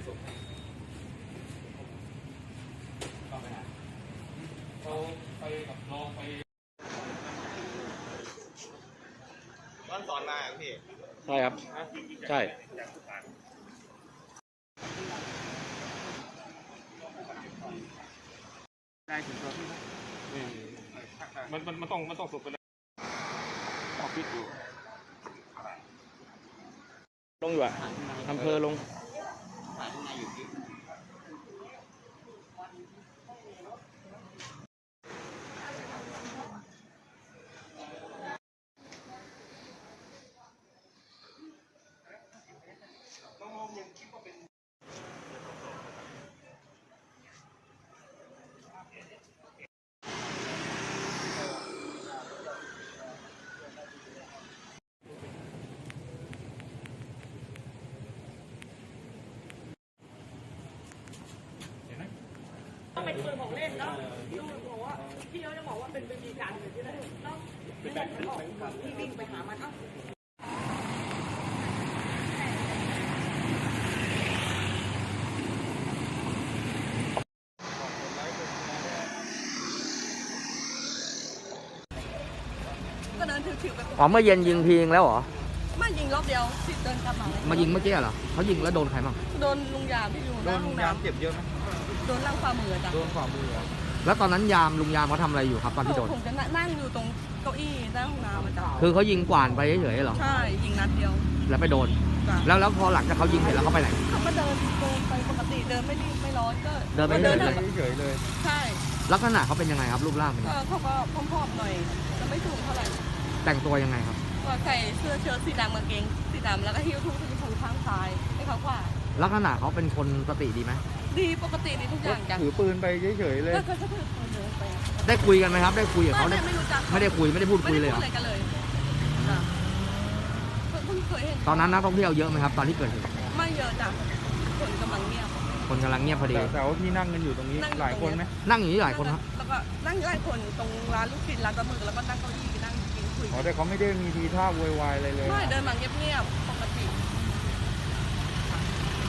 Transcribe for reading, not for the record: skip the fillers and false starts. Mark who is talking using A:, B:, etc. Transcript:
A: ส่งต้องไปหาเขาไปกับน้องไปบ้านสอนมาพี่ใช่ครับใช่ได้ถึงตัวพี่มันต้องสุกไปเลยต้องฟิตอยู่ลงอยู่อ่ะอำเภอลงถ่ายข้างในอยู่ที่
B: เป็นปืนของเล่นเนาะลูกบอกว่าพี่เขาจะบอกว่าเป็นวิธีการหรือที่ไหนเนาะไม่ได้ออกที่วิ่งไปหามันเอ้าก็เดินถือไป
C: อ๋อเมื่อเย็นยิงทีนึงแล้วเหรอ
B: มายิงรอบเดียวสิเดินกลับมา
C: ยิงเมื่อกี้เหรอเขายิงแล้วโดนใครบ้าง
B: โดนลุงยามที่อยู่หน้าห้องน้ำ
A: เจ็บเยอะไหม
B: โดนล่างฝ่ามือจ้ะ
A: โดนฝ่ามือ
C: แล้วตอนนั้นลุงยามเขาทำอะไรอยู่ครับตอนที่โดน
B: ผมจะนั่งอยู่ตรงเก้าอี้หน้าห้องน้ำจ้ะ
C: คือเขายิงกวาดไปเฉยๆเหรอ
B: ใช่ยิงนัดเดียว
C: แล้วไปโดนแล้วพอหลังจากเขายิงเสร็จแล้วเขาไปไหน
B: เขาก็เดินไปปกติเดินไม่รีบไม่ร้อนก็
C: เดินไป
A: เฉยเลย
B: ใช่
C: ลักษณะเขาเป็นยังไงครับรูปร่างเป็น
B: เขาก็พร้อมๆหน่อยจะไม่สูงเท่าไหร่
C: แต่งตัวยังไงครับ
B: ก็ใส่เสื้อเชิ้ตสีดำกางเกงสีดำแล้วก็หิ้วทุ่งที่มือข้างซ้ายให้เขาขวา
C: ลักษณะเขาเป็นคนสติดีไหม
B: ดีปกติดีทุกอย่างจ้ะ
A: ถือปืนไปเฉยๆเลย
B: ก็ถือปืนเดินไป
C: ได้คุยกันไหมครับได้คุยกับเขา
B: ไม่รู้จัก
C: ไม่ได้คุยไม่ได้พูดคุยเลยเหรอ
B: ไม่ได้พูดอะไรกันเลยเพิ่งเคยเห็น
C: ตอนนั้นนักท่องเที่ยวเยอะไหมครับตอนที่เกิดเหตุ
B: ไม่เยอะจ้ะคนกำลังเงียบ
C: พอดี
A: แต่ว่าที่นั่งกันอยู่ตรงนี้หลายคนไหม
C: นั่งอยู่นี่หลายคนครับ
B: แล้วก็นั่งหลายคนตรงร้านลูกชิ้นร้านปลาหมึกแล้วก็นั่งเก้าอี้นั่งกินคุย
A: แต่เขาไม่ได้มีทีท่าโวยวายอะไรเลย
B: ไม่เดินมาเงียบๆ